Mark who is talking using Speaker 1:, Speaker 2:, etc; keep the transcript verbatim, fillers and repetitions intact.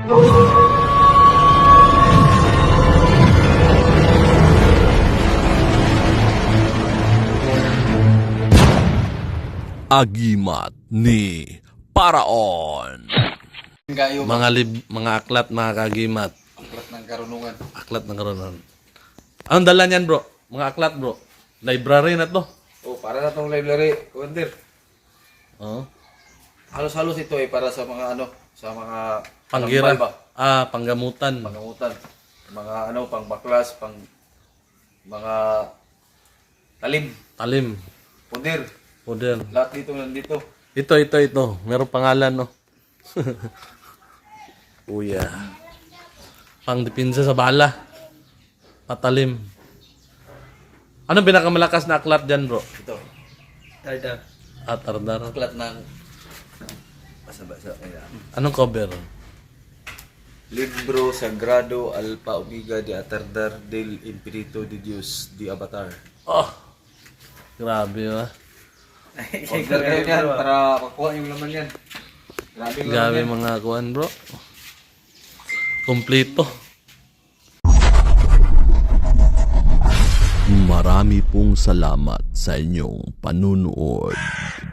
Speaker 1: Agimat ni Paraon.
Speaker 2: Gayo
Speaker 3: Mga lib, mga aklat, mga kagimat.
Speaker 2: aklat ng karunungan.
Speaker 3: Aklat ng karoon. Anong dala niyan, bro? Mga aklat, bro. Library na to.
Speaker 2: Oh, para na tong library, Commander.
Speaker 3: Oh.
Speaker 2: Halos-halos ito eh para sa mga ano, sa mga
Speaker 3: Panggira.
Speaker 2: tambal ba?
Speaker 3: Ah, panggamutan.
Speaker 2: Pangamutan. Mga ano, pang baklas, pang mga talim,
Speaker 3: Talim.
Speaker 2: puder.
Speaker 3: Model.
Speaker 2: Lahat dito nandito.
Speaker 3: Ito, ito, ito. Merong pangalan, no? Uya. Pang dipinsa sa bala. Patalim. Anong pinakamalakas na aklat dyan, bro?
Speaker 2: Ito. Tardar.
Speaker 3: At ardar.
Speaker 2: Aklat ng basa-basa. Ayan.
Speaker 3: Anong cover?
Speaker 2: Libro Sagrado Alpha Omega de Atardar del Espiritu de Dios de Avatar.
Speaker 3: Oh! Grabe, ah.
Speaker 2: Order kayo yan para makuha yung laman yan. Grabe yung laman
Speaker 3: Grabe
Speaker 2: yan.
Speaker 3: mga kuan, bro. Kompleto.
Speaker 1: Marami pong salamat sa inyong panunood.